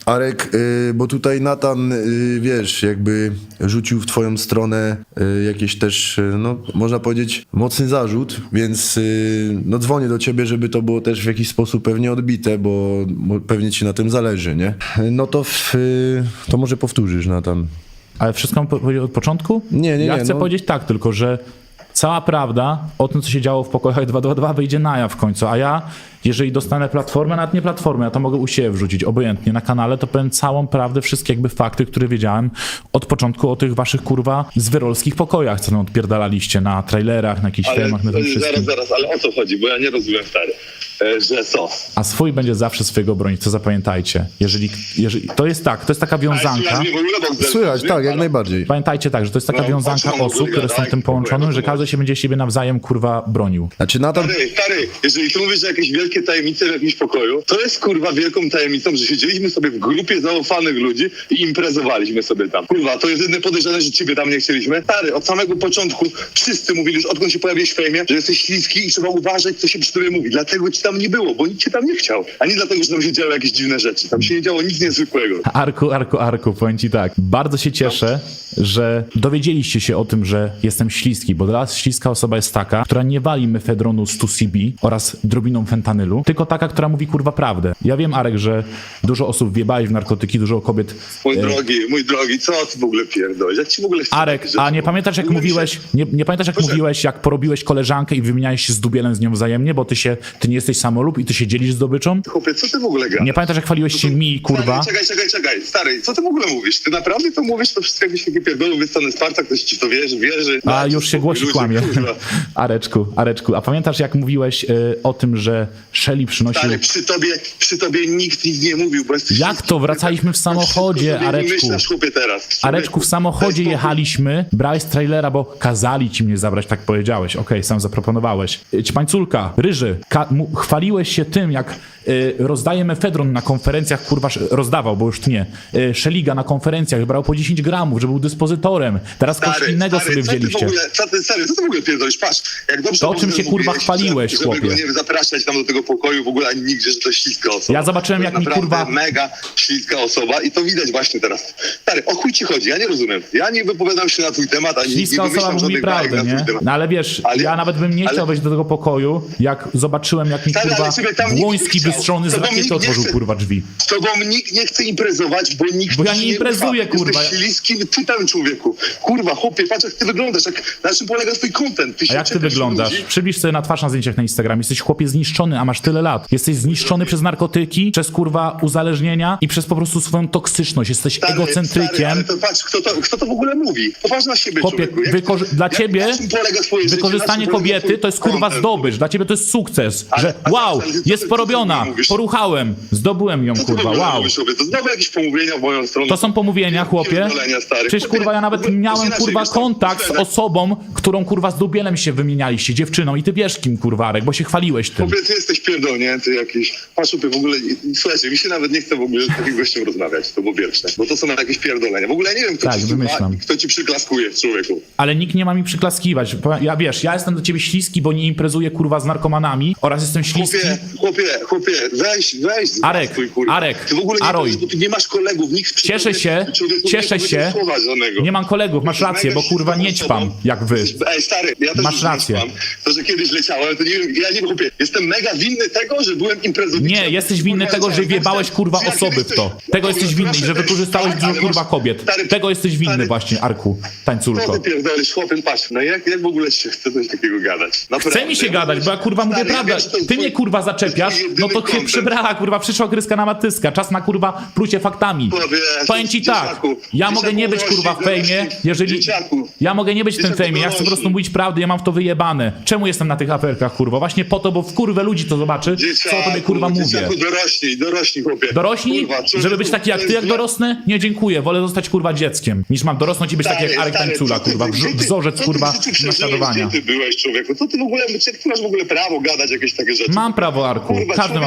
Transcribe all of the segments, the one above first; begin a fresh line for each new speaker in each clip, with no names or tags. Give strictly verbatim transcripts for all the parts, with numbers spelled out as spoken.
Arek, y, bo tutaj Natan, y, wiesz, jakby rzucił w twoją stronę y, jakieś też, y, no można powiedzieć, mocny zarzut, więc y, no dzwonię do ciebie, żeby to było też w jakiś sposób pewnie odbite, bo, bo pewnie ci na tym zależy, nie? No to, w, y, to może powtórzysz, Natan.
Ale wszystko mam powiedzieć od początku?
Nie, nie,
Ja
nie,
chcę
no.
powiedzieć tak tylko, że cała prawda o tym, co się działo w pokojach dwa dwa dwa wyjdzie na jaw w końcu, a ja, jeżeli dostanę platformę, nawet nie platformę, ja to mogę u siebie wrzucić, obojętnie, na kanale, to powiem całą prawdę, wszystkie jakby fakty, które wiedziałem od początku o tych waszych, kurwa, zwyrolskich pokojach, co tam odpierdalaliście na trailerach, na jakichś
Ale
filmach, na tym
zaraz,
wszystkim.
zaraz, ale o co chodzi? Bo ja nie rozumiem, stary, e, że co?
A swój będzie zawsze swojego bronić, to zapamiętajcie. Jeżeli, jeżeli, to jest tak, to jest taka
Ale
wiązanka.
słychać mnie w ogóle, bo
Słychać, tak, jak najbardziej.
Pamiętajcie tak, że to jest taka
No,
wiązanka
o czym on w
osób,
ogóle
które są
gada?
tym
Jak w ogóle,
połączone,
jak
że
to
każdy się będzie siebie nawzajem, kurwa, bronił.
Znaczy Natan...
Stary, stary, jeżeli ty mówisz, że jakieś wielkie tajemnice w jakimś pokoju, to jest kurwa wielką tajemnicą, że siedzieliśmy sobie w grupie zaufanych ludzi i imprezowaliśmy sobie tam. Kurwa, to jest jedyne podejrzane, że ciebie tam nie chcieliśmy. Stary, od samego początku wszyscy mówili już, odkąd się pojawiłeś w fejmie, że jesteś śliski i trzeba uważać, co się przy tobie mówi. Dlatego ci tam nie było, bo nikt cię tam nie chciał. A nie dlatego, że tam się działy jakieś dziwne rzeczy. Tam się nie działo nic niezwykłego.
Arku, Arku, Arku, powiem ci tak. Bardzo się cieszę, że dowiedzieliście się o tym, że jestem śliski, bo dla nas śliska osoba jest taka, która nie wali mefedronu sto C B oraz drobiną fentanylu, tylko taka, która mówi kurwa prawdę. Ja wiem, Arek, że dużo osób wjebałeś w narkotyki, dużo kobiet...
Mój
e,
drogi, mój drogi, co ty w ogóle pierdolisz? Jak ci w ogóle chce
Arek,
takie rzeczy?
a nie pamiętasz jak
W ogóle mi się-
mówiłeś, nie, nie pamiętasz jak
Proszę.
mówiłeś, jak porobiłeś koleżankę i wymieniałeś się z dubielem z nią wzajemnie, bo ty się, ty nie jesteś samolub i ty się dzielisz zdobyczą?
Chłopie, co ty w ogóle gadasz?
Nie pamiętasz jak chwaliłeś się mi, kurwa?
Stary, czekaj, czekaj, czekaj. Stary, co ty w ogóle mówisz? Ty naprawdę to mówisz? To wszystko jakbyś taki pierdolą wystanę z parta, ktoś ci w to wierzy, wierzy.
A
Dajcie
już się
spokój,
głosi
ludzie,
kłamie.
kurwa.
Areczku, Areczku, a pamiętasz jak mówiłeś y, o tym, że Shelly przynosił...
Stary, przy tobie, przy tobie nikt nic nie mówił, bo jesteś...
Jak to? Wracaliśmy w samochodzie,
Wszystko sobie
Areczku.
wymyślasz, chłopie, teraz.
Areczku, w samochodzie
Daj spokój.
jechaliśmy, brałeś trailera, bo kazali ci mnie zabrać, tak powiedziałeś. Okej, sam zaproponowałeś. Y, Ćpańculka, Ryży, ka- mu- chwaliłeś się tym, jak y, rozdaje mefedron na konferencjach, kurwa, sz- rozdawał, bo już nie. Y, Szeliga na konferencjach brał po dziesięć gramów, że był dyspozytorem. Teraz coś
Stary,
innego
stary,
sobie
co ty w
wzięliście.
ogóle, co ty, stary, co ty w ogóle pierdolisz? Patrz, jak dobrze
To, o czym się,
mówiłeś,
kurwa, chwaliłeś,
żeby,
chłopie.
Żeby go nie zapraszać tam do tego pokoju w ogóle ani nigdzie, że to śliska osoba.
Ja zobaczyłem,
To
jak
jest
mi,
naprawdę
kurwa-
mega śliska osoba i to widać właśnie teraz. Stary, o chuj ci chodzi? Ja nie rozumiem. Ja nie wypowiadam się na twój temat, ani
Śliska
nie
osoba
wymyślam
mówi
żadnych bajek
prawdę,
na twój
nie?
temat.
No ale wiesz,
Ale-
ja nawet bym nie
ale-
chciał wejść do tego pokoju, jak zobaczyłem, jak mi,
Stary,
kurwa,
ale ciebie tam nikt
Błoński
nie chciał.
wystrzony z
To wam
rakiety
nikt nie
otworzył,
chce.
kurwa, drzwi.
Z tobą nikt nie chce imprezować, bo nikt
Bo ja
ci
nie imprezuję,
ufa.
kurwa.
Jesteś śliskim typem, człowieku. Kurwa, chłopie, patrz jak ty wyglądasz, jak, na czym polega twój content. Ty
A
się
jak ty
czepiasz
wyglądasz?
ludzi.
Przybliż sobie na twarz na zdjęciach na Instagramie. Jesteś chłopie zniszczony, a masz tyle lat. Jesteś zniszczony przez narkotyki, przez kurwa uzależnienia i przez po prostu swoją toksyczność. Jesteś
Stary,
egocentrykiem.
Stary, ale to patrz, kto to, kto to w ogóle mówi? Popatrz na siebie,
Chłopie,
człowieku. Jak-
wykorzy- dla
jak-
ciebie
na czym polega twoje życie?
wykorzystanie
Na czym polega
kobiety
twój
to jest kurwa
content?
zdobycz. Dla ciebie to jest sukces.
Ale-
Że
ale-
wow,
ale co ty-
jest
co ty
porobiona,
mówisz?
poruchałem, zdobyłem ją,
Co ty w
kurwa,
ogóle
wow.
mówisz sobie? To znowu jakieś pomówienia w moją stronę.
To są pomówienia, chłopie.
Pierdolenia, stary.
Przecież kurwa ja nawet
Chłopie,
miałem
inaczej,
kurwa
wiesz co,
kontakt z
myślę, że-
osobą, którą kurwa z dubielem się wymienialiście, dziewczyną i ty wiesz kim kurwa, Arek, bo się chwaliłeś tym.
Chłopie, ty jesteś pierdolnięty jakiś. Patrz, chłopie, w ogóle, słuchajcie, mi się nawet nie chce w ogóle z takim gościem rozmawiać, to po pierwsze, bo to są jakieś pierdolenia. W ogóle ja nie wiem, kto
Tak,
ci słucha
wymyślam.
i kto ci przyklaskuje, człowieku.
Ale nikt nie ma mi przyklaskiwać. Ja wiesz, ja jestem do ciebie śliski, bo nie imprezuję kurwa z narkomanami oraz jestem śliski.
Chłopie, chłopie, chłopie, weź, weź.
Arek,
twój, kurwa.
Arek,
Ty w ogóle nie,
Aroj.
bo ty nie masz kolegów, nikt przy
Cieszę
tobie-
się,
człowieku nie
cieszę
powiedział
się.
słowa żadnego.
Nie mam kolegów, masz
Jesteś
rację,
mega
bo kurwa nie
ścisłą
ćpam
osobą.
jak wy.
Jesteś- Ej, stary, ja też
Masz
już
rację.
nie ćpam. To, że kiedyś leciałem, to nie wiem, ja nie wiem, chłopie, jestem mega winny tego, że byłem imprezowiczem.
Nie, jesteś winny
Kurwa,
tego, że
leciałem.
wjebałeś kurwa
Czy ja
osoby
kiedyś
w to.
coś-
Tego jesteś winny,
Proszę,
że
ej,
wykorzystałeś
tak,
dużo
ale
kurwa
masz-
kobiet.
stary,
Tego jesteś winny
stary,
właśnie, Arku,
Co
tańculko.
ty pierdolisz, chłopie, patrz, no jak, jak w ogóle ci się chce coś takiego gadać? Naprawdę.
Chce mi się gadać, bo ja kurwa mówię
Stary, ja
prawdę.
wiem, że to jest
Ty
twój-
mnie kurwa zaczepiasz,
twój
no
jedyny
to się
content.
przybrała kurwa, przyszła kryska na matyska. Czas na kurwa plucie faktami.
Chłopie,
Powiem ci tak,
dzieciaku,
ja mogę nie być
dzieciaku,
kurwa w
dorośli,
fejmie, jeżeli...
dzieciaku.
Ja mogę nie być w tym
Dzieciaku,
fejmie, ja chcę po prostu
dorośli.
mówić prawdę, ja mam w to wyjebane. Czemu jestem na tych aferkach kurwa? Właśnie po to, bo w kurwę ludzi to zobaczy, co o tobie kurwa mówię.
Dzieciaku, dorośli, dorośli, chłopie.
Dorośli?
Kurwa, człowieku,
Żeby być taki jak
to
ty,
jest
jak dorosnę? Nie, dziękuję. Wolę zostać kurwa dzieckiem, niż mam dorosnąć i być taki jak Arek
stary,
Tańcula,
co ty-
kurwa.
gdzie ty-
Wrz- Wzorzec
co ty
kurwa
w życiu przeżyłeś?
naśladowania.
Gdzie ty byłeś, człowieku? Co ty w ogóle, jak ty masz w ogóle prawo gadać jakieś takie rzeczy?
Mam prawo, Arku.
Kurwa,
Każdy ma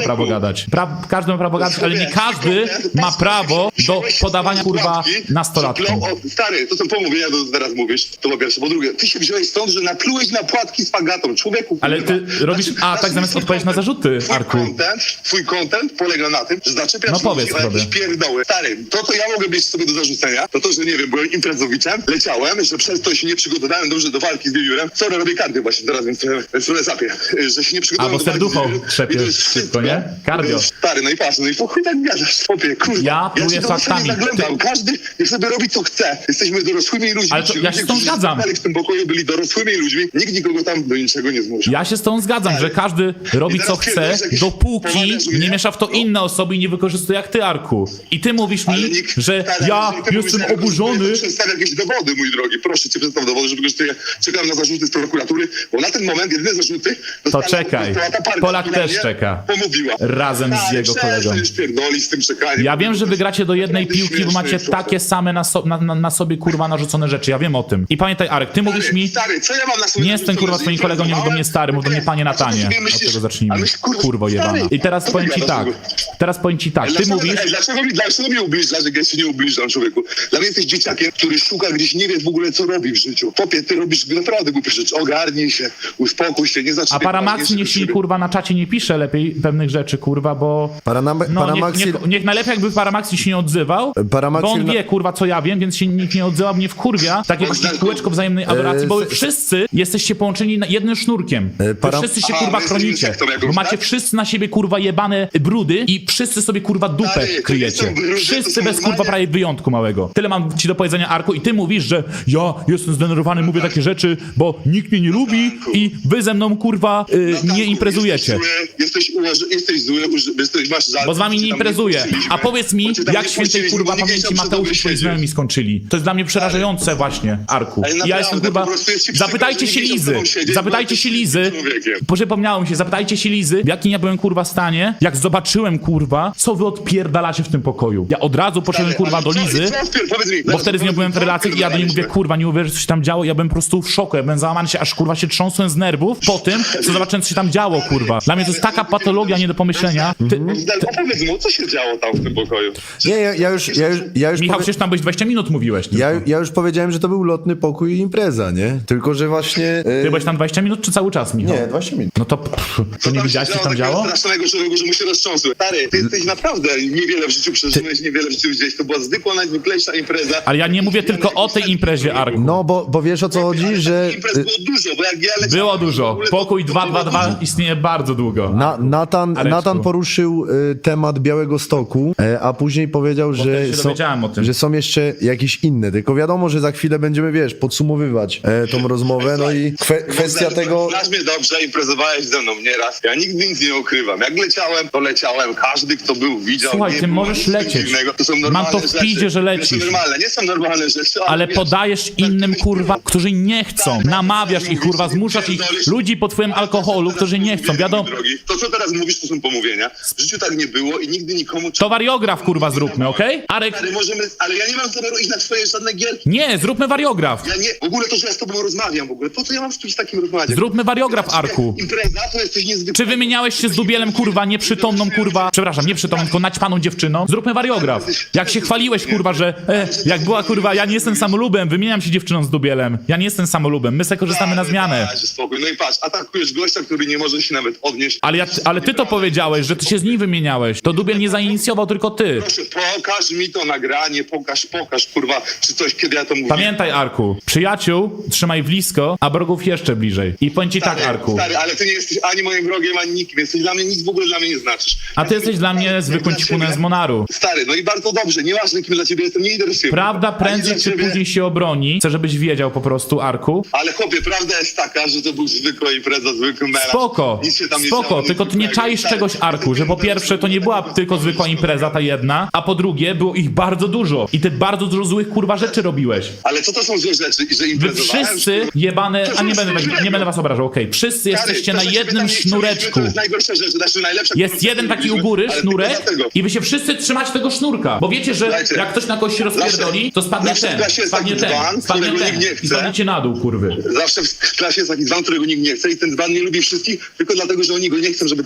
ma prawo gadać. Pra każdy ma prawo gadać, ale nie każdy ma prawo do podawania kurwa nastolatkom.
Stary, to są pomówienia, to teraz mówisz, to po pierwsze. Po drugie, ty się wziąłeś stąd, że naplułeś na płatki z fagatą, człowieku.
Ale
kurwa.
ty robisz
Znaczy,
a tak
znaczy,
zamiast
twój
odpowiedzieć na
content-
zarzuty,
twój
Arku.
Content, twój content polega na tym, że zaczepiasz
No powiedz,
ludzi o jakieś
Robert.
pierdoły. Stary, to co ja mogę mieć sobie do zarzucenia, to to, że nie wiem, byłem imprezowiczem, leciałem, że przez to się nie przygotowałem dobrze do walki z wiewiórem. Sorry, robię kardio właśnie teraz, więc trochę zapię, że się nie przygotowałem
Albo
do walki z
serducho
wiewiórem.
trzepiesz
I to jest
szybko,
wszystko.
nie? Cardio.
Stary, no i patrz, no i po chuj tak gadasz, chłopie, kurwa.
Ja pluję
się do was
faktami.
nie zaglądam. Każdy niech sobie robi co chce. Jesteśmy dorosłymi ludźmi.
Ale to
Ci
ja
ludzie,
się z tą
którzy
zgadzam.
spotkali w tym pokoju byli dorosłymi ludźmi. Nikt nikogo tam do niczego nie zmusił.
Ja się z tą zgadzam, że każdy robi
teraz
co chce,
pierdolisz jakieś
dopóki
pomawiasz mnie?
nie miesza w to inne osoby i nie wykorzystuje jak ty, Arku. I ty mówisz
Ale
mi,
nikt-
że
stary,
ja
jeżeli ty mówisz,
jestem
że ja
oburzony.
wykorzystuję, to Przedstaw jakieś dowody, mój drogi. Proszę cię, przedstaw dowody, że wykorzystuję. Czekam na zarzuty z prokuratury, bo na ten moment jedyne zarzuty dostała
czekaj.
dostała ta partia,
Polak
która
też
mnie
czeka.
Pomówiła.
Razem z
Stary,
jego
przestań
kolegą.
już pierdolić z tym czekaniem.
Ja wiem, że wygracie do jednej
Naprawdę
piłki, bo
śmieszne
macie
jest to.
takie same na, so na, na, na sobie kurwa narzucone rzeczy. Ja wiem o tym. I pamiętaj, Arek, ty mówisz mi,
Stary, co ja mam na sobie
nie jestem kurwa twoim kolegą, nie mów do mnie stary, mów do mnie panie Natanie. Od tego zacznijmy. Kurwo jebana. I teraz powiem ci tak. Teraz powiem ci tak. Ty
Dlaczego,
mówisz,
ej, dlaczego, mi, dlaczego mnie ubliżasz, jak ja się nie ubliżam, człowieku? Dla mnie jesteś dzieciakiem, który szuka gdzieś, nie wie w ogóle, co robi w życiu. Popie, ty robisz naprawdę głupie rzeczy. Ogarnij się, uspokój się, nie
a
zacznij...
Paramaxi niech się kurwa na czacie nie pisze lepiej pewnych rzeczy, kurwa, bo...
Paranam-
No,
Paramaxi...
niech, niech, niech najlepiej jakby Paramaxi się nie odzywał,
Paramaxi-
bo on wie, kurwa, co ja wiem, więc się nikt nie odzywa, mnie wkurwia. Takie właśnie kółeczko wzajemnej adoracji, bo
E,
wy wszyscy jesteście połączeni na jednym sznurkiem. Wy
para-
wszyscy się,
A,
kurwa,
my jesteśmy
chronicie,
sektą jakąś,
bo macie
tak?
wszyscy na siebie, kurwa, jebane brudy i wszyscy sobie, kurwa, dupę
Stary, to nie
kryjecie.
są brudy, to
Wszyscy
są
bez, kurwa,
normalnie-
prawie wyjątku małego. Tyle mam ci do powiedzenia, Arku, i ty mówisz, że ja jestem zdenerwowany, mówię takie rzeczy, bo nikt mnie nie lubi i wy ze mną, kurwa, y,
Natanku,
nie imprezujecie.
Jesteś zły, jesteś, ułoż- jesteś zły, uż- jesteś, masz żal.
Bo z wami
bo
nie
cię tam
imprezuję.
puściliśmy.
A powiedz mi,
Bo cię tam
jak
nie
świętej
puściliśmy,
kurwa
bo nikt nie
pamięci
chciał przy
Mateusz
tobie
i twoi
siedzieć.
znajomi skończyli. To jest dla mnie przerażające właśnie, Arku.
Ale
I ja
naprawdę,
jestem
po
kurwa...
prostu jest ci przykro,
Zapytajcie
że
się
nie chciał z
Lizy.
tobą siedzieć,
Zapytajcie
bo
się
jesteś
Lizy.
człowiekiem.
Przypomniało mi się, zapytajcie się Lizy, w jakim ja byłem kurwa stanie, jak zobaczyłem kurwa, co wy odpierdalacie w tym pokoju. Ja od razu poszedłem kurwa
Ale
do
co-
Lizy.
co odpier- powiedz mi,
Bo wtedy z nią byłem w
co
relacjach i ja do niej mówię,
odpierdalaliśmy?
kurwa, nie uwierzysz, co się tam działo. Ja byłem po prostu w szoku, ja byłem załamany się, aż kurwa się trząsłem z nerwów po tym, co zobaczyłem, co się tam działo, kurwa. Dla mnie to jest taka patologia nie do pomyślenia. Ty,
Opowiedz mu, co się działo tam w tym pokoju.
Nie, ja, ja już, ja już, ja już
Michał,
powie-
przecież tam byś dwadzieścia minut mówiłeś tylko.
ja, ja już powiedziałem, że to był lotny pokój i impreza, nie? Tylko, że właśnie... e,
Ty byłeś tam dwadzieścia minut, czy cały czas, Michał?
Nie, dwadzieścia minut.
No to, pff, to nie
się
widziałeś, co tam działo?
strasznego człowieku, że mu się roztrząsły. Stary, ty jesteś naprawdę niewiele w życiu przeżyłeś, niewiele w życiu widziałeś. To była zwykła, najzwyklejsza impreza.
Ale ja nie mówię tylko o tej imprezie, Arku.
No, bo, bo wiesz o co chodzi, że...
Imprez było dużo, bo jak ja leciałem...
Było
to w
dużo.
ogóle to-
Pokój
to
dwa
było
dwa dwa
dużo.
istnieje bardzo długo.
Na, Natan,
Areczku.
Natan poruszył y, temat Białego Stoku, e, a później powiedział, że
wtedy się
są,
dowiedziałem o tym.
że są jeszcze jakieś inne. Tylko wiadomo, że za chwilę będziemy, wiesz, podsumowywać e, tą rozmowę. No i kwe, kwestia
Znasz-
tego...
Znasz mnie dobrze, imprezowałeś ze mną nieraz. Ja nigdy nic nie ukrywam. Jak leciałem, to leciałem. Każdy, kto był, widział.
Słuchaj,
nie
ty
było
możesz
nic
lecieć.
dziwnego. To są
Mam
normalne
to w pidzie,
rzeczy.
że
Nie
lecisz.
są normalne, nie są normalne rzeczy, ale,
Ale
wiesz,
podajesz innym kurwa, którzy nie chcą.
Tak,
Namawiasz
tak,
ich kurwa,
mówisz,
zmuszasz ich
pierdolisz.
ludzi po twoim alkoholu, którzy nie chcą. Wiadomo,
Drogi, to co teraz mówisz, to są pomówienia. W życiu tak nie było i nigdy nikomu...
to wariograf kurwa zróbmy, okej? Arek,
Ale możemy, ale ja nie mam zamiaru iść na twoje żadne gierki.
nie, zróbmy wariograf.
Ja nie, w ogóle to, że ja z tobą rozmawiam w ogóle. Po co ja mam z kimś takim rozmawiać?
Zróbmy wariograf, Arku.
Impreza to jesteś niezwykły.
Czy wymieniałeś się z Dubielem, kurwa, nieprzytomną, kurwa, przepraszam, nieprzytomną, tylko naćpaną dziewczyną? Zróbmy wariograf. Jak się chwaliłeś, kurwa, że e, jak była, kurwa, ja nie jestem samolubem, wymieniam się dziewczyną z Dubielem. Ja nie jestem samolubem, my se korzystamy na zmianę.
Dajcie spokój. No i patrz, atakujesz gościa, który nie może się nawet odnieść.
Ale, ja, ale ty to powiedziałeś, że ty się z nim wymieniałeś. To Dubiel nie zainicjował, tylko ty.
Proszę, pokaż mi to nagranie, pokaż, pokaż, kurwa, czy coś, kiedy ja to mówię.
Pamiętaj, Arku, przyjaciół trzymaj blisko, a wrogów jeszcze bliżej. I powiem ci tak,
Stary,
Arku.
Stary, ale ty nie jesteś ani moim wrogiem, ani nikim. Jesteś dla mnie, nic w ogóle dla mnie nie znaczysz.
A ty jesteś dla mnie zwykłym cipunem z Monaru.
Stary, no i bardzo dobrze, nieważne kim dla ciebie jestem, nie interesuje.
Prawda
Ani
prędzej
dla
czy
ciebie-
później się obroni. Chcę, żebyś wiedział po prostu, Arku.
Ale chłopie, prawda jest taka, że to był zwykła impreza, zwykły melanż.
Spoko,
Nic się tam nie
spoko,
działo,
tylko
nic
ty nie
zwykłego.
czaisz
Stary,
czegoś, Arku, że po pierwsze to nie była tylko zwykła impreza, ta jedna, a po drugie było ich bardzo dużo i ty bardzo dużo złych kurwa rzeczy robiłeś.
Ale co to są złe rzeczy? I że
Wy
imprezowałem?
wszyscy jebane, a nie będę, tak- nie będę was obrażał, okej, wszyscy
Stary,
jesteście
to,
na
że ciebie
jednym
tam nie chcieliśmy,
sznureczku.
To jest najgorsza rzecz, znaczy najlepsza.
Jest
którą
jeden taki u
zrobiliśmy,
góry
ale tylko
sznurek
dlatego.
i wy się wszyscy trzymacie tego sznurka, bo wiecie, że
Słuchajcie,
jak ktoś na kogoś się rozpierdoli, to spadnie
zawsze w
ten,
klasie jest
spadnie
taki dzban,
ten, spadnie
którego
ten
nikt nie
i
chce.
spadniecie na dół, kurwy.
Zawsze w klasie jest taki dzban, którego nikt nie chce i ten dzban nie lubi wszystkich, tylko dlatego, że oni go nie chcą, żeby tam się
Słuchaj,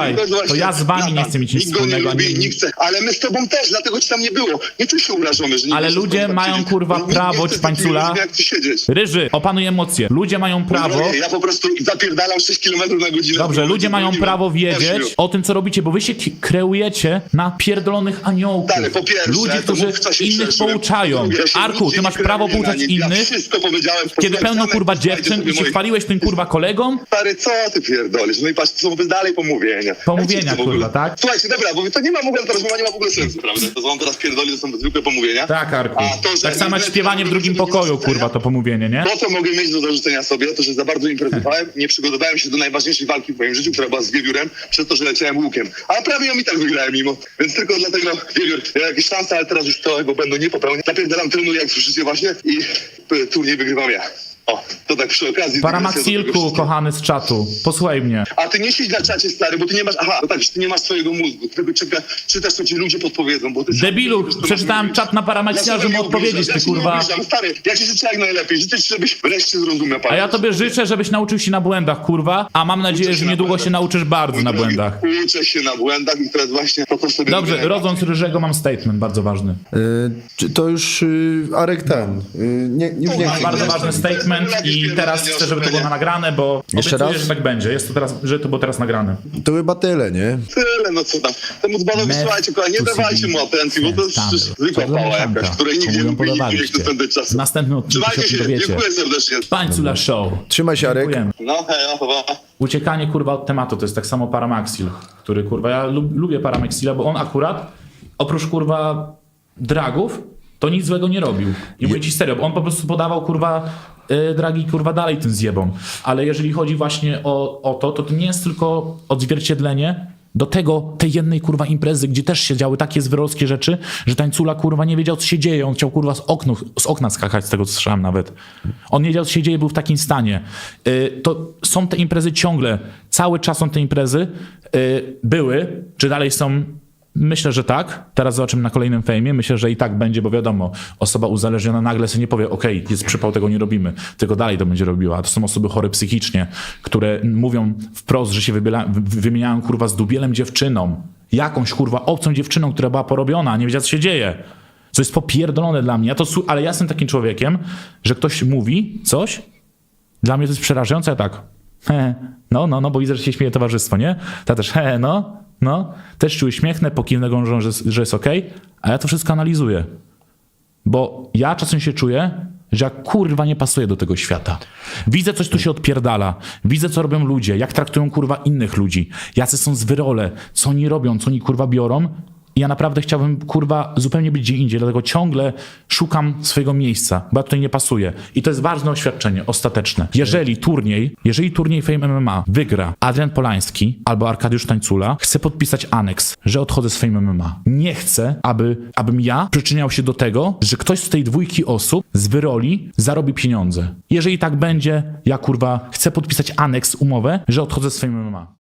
Słuchaj,
To, jest
to
właśnie
ja z wami nie
Natan.
chcę mieć nic
Nikt go nie
wspólnego.
lubi,
ani-
nie chce, ale my z tobą też, dlatego ci tam nie było. Nie czuj się urażony, że nie
Ale
wiesz,
ludzie
co tam
mają,
siedzieć.
kurwa,
Nikt nie
prawo,
chce z
Ćpańcula.
takimi ludźmi jak ty siedzieć.
Ryży, opanuj emocje. Ludzie mają prawo...
No, ja po prostu zapierdalam sześć kilometrów na godzinę.
Dobrze, ludzie mają
Ośmiu.
prawo wiedzieć o tym, co robicie, bo wy się ki- kreujecie na pierdolonych aniołków.
Dalej, po pierwsze,
Ludzie,
to
którzy
mów, co się
innych
przeszłem.
pouczają.
Po drugie, ja się
Arku,
nigdzie
ty masz
nie
prawo
kreuję na
pouczać
nich. Ja
innych,
wszystko powiedziałem.
kiedy
Posłuchaj,
pełno
Zamek,
kurwa
posłuchajcie
dziewczyn
sobie
i się
moich-
chwaliłeś tym kurwa kolegom?
Stary, co ty pierdolisz? No i patrz, to są dalej pomówienia.
Pomówienia,
Ja ci to w ogóle-
kurwa, tak?
Słuchajcie, dobra, bo to nie ma w ogóle, ta rozmowa nie ma w ogóle sensu, prawda? To co on teraz pierdoli, to są zwykłe pomówienia.
Tak, Arku.
A to, że
Tak samo jak
imprezy
śpiewanie w
robią
drugim
sobie do
pokoju,
zarzucenia,
kurwa, to pomówienie, nie?
To, co mogę mieć do zarzucenia sobie, to, że za bardzo imprezowałem, nie przygotowałem się do najważniejszej walki w moim życiu, która była z Wiewiórem, przez to, że leciałem łukiem. A prawie ją i tak wygrałem mimo. Więc tylko dlatego, Wiewiór, ja jakieś szanse, ale teraz już to, bo będę nie popełniał. Napierdalam, trenuję, jak słyszycie właśnie i y, turniej wygrywam ja. O, to tak przy okazji.
Paramaxilku, kochany z czatu, posłuchaj mnie.
A ty nie siedź na czacie, stary, bo ty nie masz, aha, no tak, że ty nie masz swojego mózgu, ty tylko czeka, czytasz, co ci ludzie podpowiedzą, bo ty...
Debilu, przeczytałem czat na Paramaxila, żeby mu odpowiedzieć, ty kurwa.
Ja stary, ja ci życzę jak najlepiej, życzę ci, żebyś wreszcie zrozumiał,
A ja tobie życzę, żebyś nauczył się na błędach, kurwa, a mam nadzieję, że niedługo się nauczysz bardzo na błędach.
Uczę się na błędach i to jest właśnie to, co sobie...
Dobrze,
mówię.
rodząc Ryżego mam statement bardzo ważny.
Y, czy to już y, Arek ten. Y, nie, już nie
Mam
chcę.
Bardzo
to
ważny
jest-
statement
to jest
i
jakieś
teraz
pierdolenie
chcę, żeby to było
oszukania.
nagrane, bo
Jeszcze
obiecuję,
raz?
że tak będzie. Jest to teraz, że to było teraz nagrane.
To chyba tyle, nie?
Tyle, no co tam. Temu dzbanowi,
Meth,
słuchajcie, kochani, nie
pussy,
dawajcie mu atencji, bo to jest
Tam.
przecież zwykła
Czarna
pała
mieszanka.
jakaś, której nigdzie
Komu ją
nie lubi, nigdzie nie
podobaliście?
chce spędzać czasu.
W następnym odcinku się
Trzymajcie
o tym
się,
dowiecie.
dziękuję serdecznie.
Pańcula Show.
Trzymaj się, Arek.
Dziękujemy.
No, hej, no, chyba.
Uciekanie kurwa od tematu to jest tak samo Paramaxil, który kurwa, ja lub, lubię Paramaxila, bo on akurat oprócz kurwa dragów to nic złego nie robił. I mówię ci serio, bo on po prostu podawał kurwa y, dragi kurwa dalej tym zjebom. Ale jeżeli chodzi właśnie o, o to, to to nie jest tylko odzwierciedlenie do tego, tej jednej kurwa imprezy, gdzie też się działy takie zwyrolskie rzeczy, że tańcula kurwa nie wiedział, co się dzieje. On chciał kurwa z, oknu, z okna skakać, z tego co słyszałem nawet. On nie wiedział, co się dzieje, był w takim stanie. Y, to są te imprezy ciągle, cały czas są te imprezy. Y, były, czy dalej są? Myślę, że tak. Teraz zobaczymy na kolejnym fejmie. Myślę, że i tak będzie, bo wiadomo, osoba uzależniona nagle sobie nie powie, okej, jest przypał, tego nie robimy, tylko dalej to będzie robiła. To są osoby chore psychicznie, które mówią wprost, że się wybiela, wy- wymieniają kurwa z dubielem dziewczyną. Jakąś kurwa obcą dziewczyną, która była porobiona, a nie wiedziała, co się dzieje. Co jest popierdolone dla mnie. Ja to, su- ale ja jestem takim człowiekiem, że ktoś mówi coś, dla mnie to jest przerażające, ja tak, he, no, no, no, bo widzę, że się śmieje towarzystwo, nie? Ta też, he, no, no, też się uśmiechnę, pokiwnę gążą, że, że jest okej, a ja to wszystko analizuję. Bo ja czasem się czuję, że ja kurwa nie pasuję do tego świata. Widzę, coś tu się odpierdala. Widzę, co robią ludzie, jak traktują kurwa innych ludzi. Jacy są zwyrole, co oni robią, co oni kurwa biorą. I ja naprawdę chciałbym, kurwa, zupełnie być gdzie indziej, dlatego ciągle szukam swojego miejsca, bo ja tutaj nie pasuję. I to jest ważne oświadczenie, ostateczne. Jeżeli turniej, jeżeli turniej Fame M M A wygra Adrian Polański albo Arkadiusz Tańcula, chcę podpisać aneks, że odchodzę z Fame M M A. Nie chcę, aby, abym ja przyczyniał się do tego, że ktoś z tej dwójki osób z wyroli zarobi pieniądze. Jeżeli tak będzie, ja, kurwa, chcę podpisać aneks, umowę, że odchodzę z Fame M M A.